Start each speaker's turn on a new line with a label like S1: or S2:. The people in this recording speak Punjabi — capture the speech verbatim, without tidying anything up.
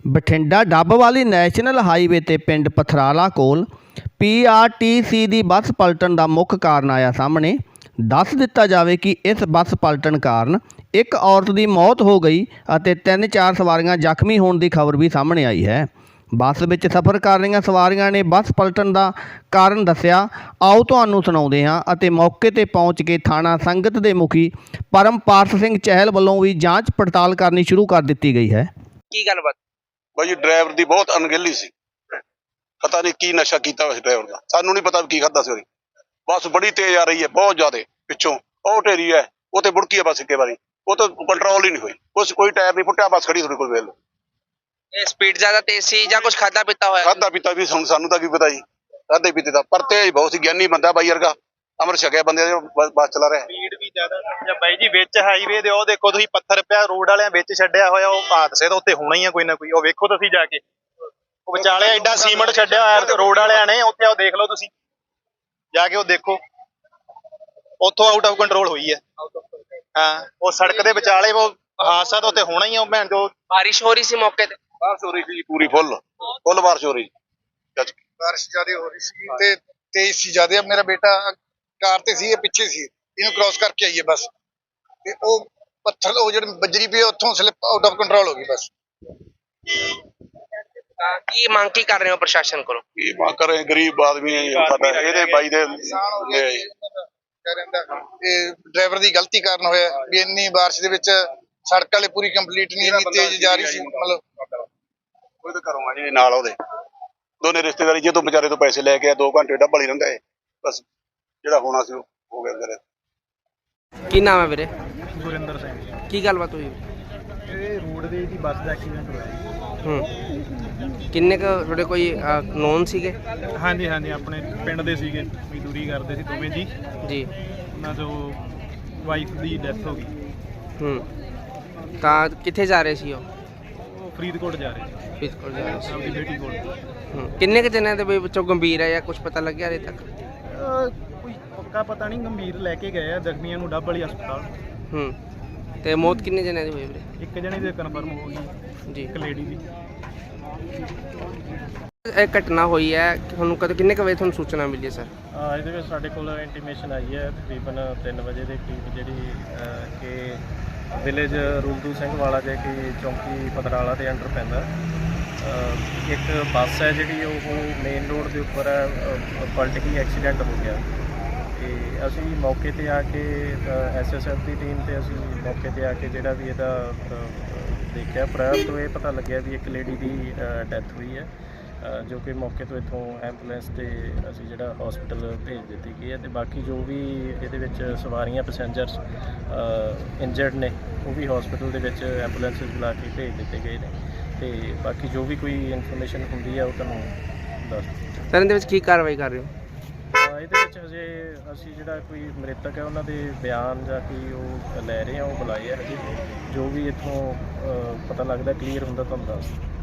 S1: ਬਠਿੰਡਾ ਡੱਬਵਾਲੀ ਨੈਸ਼ਨਲ ਹਾਈਵੇ ਤੇ ਪਿੰਡ ਪਥਰਾਲਾ ਕੋਲ ਪੀ ਆਰ ਟੀ ਸੀ ਦੀ ਬੱਸ ਪਲਟਣ ਦਾ ਮੁੱਖ ਕਾਰਨ ਆਇਆ ਸਾਹਮਣੇ। ਦੱਸ ਦਿੱਤਾ ਜਾਵੇ ਕਿ ਇਸ ਬੱਸ ਪਲਟਣ ਕਾਰਨ ਇੱਕ ਔਰਤ ਦੀ ਮੌਤ ਹੋ ਗਈ ਅਤੇ ਤਿੰਨ ਚਾਰ ਸਵਾਰੀਆਂ ਜ਼ਖਮੀ ਹੋਣ ਦੀ ਖਬਰ ਵੀ ਸਾਹਮਣੇ ਆਈ ਹੈ। ਬੱਸ ਵਿੱਚ ਸਫ਼ਰ ਕਰ ਰਹੀਆਂ ਸਵਾਰੀਆਂ ਨੇ ਬੱਸ ਪਲਟਣ ਦਾ ਕਾਰਨ ਦੱਸਿਆ। ਆਓ ਤੁਹਾਨੂੰ ਸੁਣਾਉਂਦੇ ਹਾਂ ਅਤੇ ਮੌਕੇ ਤੇ ਪਹੁੰਚ ਕੇ ਥਾਣਾ ਸੰਗਤ ਦੇ ਮੁਖੀ ਪਰਮਪਾਰਸ ਸਿੰਘ ਚਹਿਲ ਵੱਲੋਂ ਵੀ ਜਾਂਚ ਪੜਤਾਲ ਕਰਨੀ ਸ਼ੁਰੂ ਕਰ ਦਿੱਤੀ ਗਈ ਹੈ।
S2: ਕੀ ਗੱਲਬਾਤ
S3: भाई ड्राइवर की बहुत अनगहली सी, पता नहीं की नशा किया उस ड्राइवर का, सानू नहीं पता की खादा सी। बस बड़ी तेज आ रही है, बहुत ज्यादा पिछों और ढेरी है, वो तो बुड़की है बस एक बारी, वो तो कंट्रोल ही नहीं हुई, कुछ कोई टायर नहीं फुटिया, बस खड़ी थोड़ी कोई वेल।
S2: स्पीड ज्यादा तेज सी या कुछ खादा पीता होया?
S3: खादा पीता भी सुन सानू तो की पता जी, खादे पीते था पर तेज बहुत सी, ज्ञानी बंदा बाई वर्गा, अमर छकिया बंदे बस चला रहा है।
S4: स्पीड भी ज्यादा ਜਾਂ ਬਾਈ ਜੀ ਵਿੱਚ ਹਾਈਵੇ ਦੇ ਉਹ ਦੇਖੋ ਤੁਸੀਂ ਪੱਥਰ ਪਿਆ ਰੋਡ ਵਾਲਿਆਂ ਵਿੱਚ ਛੱਡਿਆ ਹੋਇਆ, ਉਹ ਹਾਦਸੇ ਤਾਂ ਉੱਤੇ ਹੋਣਾ ਹੀ ਆ ਕੋਈ ਨਾ ਕੋਈ। ਉਹ ਵੇਖੋ ਤੁਸੀਂ ਜਾ ਕੇ, ਉਹ ਵਿਚਾਲੇ ਐਡਾ ਸੀਮੈਂਟ ਛੱਡਿਆ ਹੋਇਆ ਰੋਡ ਵਾਲਿਆਂ ਨੇ ਉੱਥੇ, ਉਹ ਦੇਖ ਲਓ ਤੁਸੀਂ ਜਾ ਕੇ, ਉਹ ਦੇਖੋ ਉੱਥੋਂ ਆਊਟ ਆਫ ਕੰਟਰੋਲ ਹੋਈ ਹੈ। ਹਾਂ, ਉਹ ਸੜਕ ਦੇ ਵਿਚਾਲੇ ਉਹ ਹਾਦਸਾ ਤਾਂ ਉੱਤੇ ਹੋਣਾ ਹੀ ਆ। ਉਹ ਭੈਣ ਜੋ
S2: बारिश हो रही सी मौके ਤੇ?
S3: बारिश हो रही थी पूरी फुल फुल बारिश हो रही,
S5: बारिश ज्यादा हो रही सी ते तेज सी ज्यादा। मेरा बेटा कार ते सी, पिछे सी, ਇਹਨੂੰ ਕ੍ਰਾਸ ਕਰਕੇ ਆਈਏ ਬਸ, ਤੇ ਉਹ ਪੱਥਰ ਉਹ ਜਿਹੜੇ ਬੱਜਰੀ ਪਈ ਉੱਥੋਂ ਸਲਿੱਪ ਆਊਟ ਆਫ ਕੰਟਰੋਲ ਹੋ ਗਈ ਬਸ।
S2: ਕੀ ਮੰਗ ਕੀ ਕਰ ਰਹੇ ਹੋ ਪ੍ਰਸ਼ਾਸਨ ਕੋਲੋਂ?
S3: की मां करे गरीब आदमी है पता ਇਹਦੇ ਬਾਈ ਦੇ
S5: ਕਹਿ ਰਹਿੰਦਾ ਇਹ ਡਰਾਈਵਰ ਦੀ ਗਲਤੀ ਕਾਰਨ ਹੋਇਆ ਵੀ ਇੰਨੀ ਬਾਰਿਸ਼ ਦੇ ਵਿੱਚ ਸੜਕ ਵਾਲੇ ਪੂਰੀ ਕੰਪਲੀਟ ਨਹੀਂ, ਇੰਨੀ ਤੇਜ਼ ਜਾ ਰਹੀ ਸੀ। ਮਤਲਬ
S3: ਕੋਈ ਤਾਂ ਘਰੋਂ ਆ ਜੀ ਨਾਲ ਉਹਦੇ ਦੋਨੇ ਰਿਸ਼ਤੇਦਾਰੀ ਜੇ ਤੋਂ ਵਿਚਾਰੇ ਤੋਂ ਪੈਸੇ ਲੈ ਕੇ ਆ, ਦੋ ਘੰਟੇ ਡੱਬਲ ਹੀ ਰਹਿੰਦਾ ਹੈ ਬਸ, ਜਿਹੜਾ ਹੋਣਾ ਸੀ ਉਹ ਹੋ ਗਿਆ ਵਿਚਾਰੇ।
S2: ਕੀ ਨਾਮ ਹੈ ਵੀਰੇ?
S4: ਗੁਰਿੰਦਰ ਸਿੰਘ।
S2: ਕੀ ਗੱਲਬਾਤ ਹੋਈ?
S4: ਇਹ ਰੋਡਵੇਜ ਦੀ ਬੱਸ ਦਾ ਐਕਸੀਡੈਂਟ ਹੋਇਆ ਜੀ।
S2: ਹੂੰ, ਕਿੰਨੇ ਕੁ ਤੁਹਾਡੇ ਕੋਈ ਨੋਨ ਸੀਗੇ?
S4: ਹਾਂਜੀ ਹਾਂਜੀ, ਆਪਣੇ ਪਿੰਡ ਦੇ ਸੀਗੇ, ਮਜ਼ਦੂਰੀ ਕਰਦੇ ਸੀ ਦੋਵੇਂ ਜੀ
S2: ਜੀ।
S4: ਉਹਨਾਂ ਤੋਂ ਵਾਈਫ ਦੀ ਡੈਥ ਹੋ ਗਈ।
S2: ਹੂੰ, ਤਾਂ ਕਿੱਥੇ ਜਾ ਰਹੇ ਸੀ ਉਹ?
S4: ਉਹ ਫਰੀਦਕੋਟ ਜਾ ਰਹੇ ਸੀ
S2: ਫਰੀਦਕੋਟ ਜਾ ਰਹੇ ਸੀ।
S4: ਆਪਣੀ ਬੇਟੀ ਕੋਲ।
S2: ਹੂੰ, ਕਿੰਨੇ ਕੁ ਜਣਿਆਂ ਦੇ ਵੀ ਵਿੱਚੋਂ ਗੰਭੀਰ ਹੈ ਜਾਂ ਕੁਝ ਪਤਾ ਲੱਗਿਆ ਹਲੇ ਤੱਕ?
S4: ਅਹ ਕੋਈ ਪੱਕਾ ਪਤਾ ਨਹੀਂ, ਗੰਭੀਰ ਲੈ ਕੇ ਗਏ ਆ, ਜ਼ਖਮੀਆਂ ਨੂੰ ਡੱਬ ਵਾਲੀ ਹਸਪਤਾਲ।
S2: ਹੂੰ, ਤੇ ਮੌਤ ਕਿੰਨੇ ਜਣਿਆਂ ਦੀ ਹੋਈ ਵੀਰੇ?
S4: ਇੱਕ ਜਣੇ ਦੀ ਕਨਫਰਮ ਹੋ ਗਈ
S2: ਜੀ।
S4: ਇੱਕ ਲੇਡੀ ਦੀ।
S2: ਇਹ ਘਟਨਾ ਹੋਈ ਹੈ, ਤੁਹਾਨੂੰ ਕਦੋਂ ਕਿੰਨੇ ਕੁ ਵਜੇ ਤੁਹਾਨੂੰ ਸੂਚਨਾ ਮਿਲੀ ਹੈ ਸਰ?
S4: ਅਹ ਇਹਦੇ ਵਿੱਚ ਸਾਡੇ ਕੋਲ ਇੰਟੀਮੇਸ਼ਨ ਆਈ ਹੈ ਤਕਰੀਬਨ ਤਿੰਨ ਵਜੇ ਦੇ ਕਰੀਬ, ਜਿਹੜੀ ਅਹ ਕਿ ਵਿਲੇਜ ਰੂਲਦੂ ਸਿੰਘ ਵਾਲਾ ਜੇ ਕਿ ਚੌਂਕੀ ਪਤਰਾਲਾ ਦੇ ਅੰਡਰ ਪੈਂਦਾ। ਅਹ ਇੱਕ ਬੱਸ ਹੈ ਜਿਹੜੀ ਉਹ ਮੇਨ ਰੋਡ ਦੇ ਉੱਪਰ ਪਲਟ ਗਈ, ਐਕਸੀਡੈਂਟ ਹੋ ਗਿਆ। ਤੇ ਅਸੀਂ ਮੌਕੇ ਤੇ ਆ ਕੇ ਐਸ ਐਸ ਐਫ ਦੀ ਟੀਮ ਤੇ ਅਸੀਂ ਮੌਕੇ ਤੇ ਆ ਕੇ ਜਿਹੜਾ ਵੀ ਇਹਦਾ ਦੇਖਿਆ, ਪ੍ਰਾਇਰ ਤੋਂ ਇਹ ਪਤਾ ਲੱਗਿਆ ਵੀ ਇੱਕ ਲੇਡੀ ਦੀ ਡੈਥ ਹੋਈ ਹੈ, ਜੋ ਕਿ ਮੌਕੇ ਤੋਂ ਇੱਥੋਂ ਐਂਬੂਲੈਂਸ ਤੇ ਅਸੀਂ ਜਿਹੜਾ ਹਸਪੀਟਲ ਭੇਜ ਦਿੱਤੀ ਗਈ ਹੈ। ਤੇ ਬਾਕੀ ਜੋ ਵੀ ਇਹਦੇ ਵਿੱਚ ਸਵਾਰੀਆਂ ਪੈਸੇਂਜਰਸ ਇੰਜਰਡ ਨੇ, ਉਹ ਵੀ ਹਸਪੀਟਲ ਦੇ ਵਿੱਚ ਐਂਬੂਲੈਂਸ ਬੁਲਾ ਕੇ ਭੇਜ ਦਿੱਤੇ ਗਏ ਨੇ। ਤੇ ਬਾਕੀ ਜੋ ਵੀ ਕੋਈ ਇਨਫੋਰਮੇਸ਼ਨ ਹੁੰਦੀ ਹੈ ਉਹ ਤੁਹਾਨੂੰ ਦੱਸ ਦਿੱਤੀ।
S2: ਸਰ ਇਹਦੇ ਵਿੱਚ ਕੀ ਕਾਰਵਾਈ ਕਰ ਰਹੇ ਹੋ?
S4: ਇਹਦੇ ਵਿੱਚ ਹਜੇ ਅਸੀਂ ਜਿਹੜਾ ਕੋਈ ਮ੍ਰਿਤਕ ਹੈ ਉਹਨਾਂ ਦੇ ਬਿਆਨ ਜਾਂ ਕੋਈ ਉਹ ਲੈ ਰਹੇ ਹਾਂ, ਉਹ ਬੁਲਾਏ ਆ। ਹਜੇ ਜੋ ਵੀ ਇੱਥੋਂ ਪਤਾ ਲੱਗਦਾ ਕਲੀਅਰ ਹੁੰਦਾ ਤੁਹਾਨੂੰ ਦੱਸ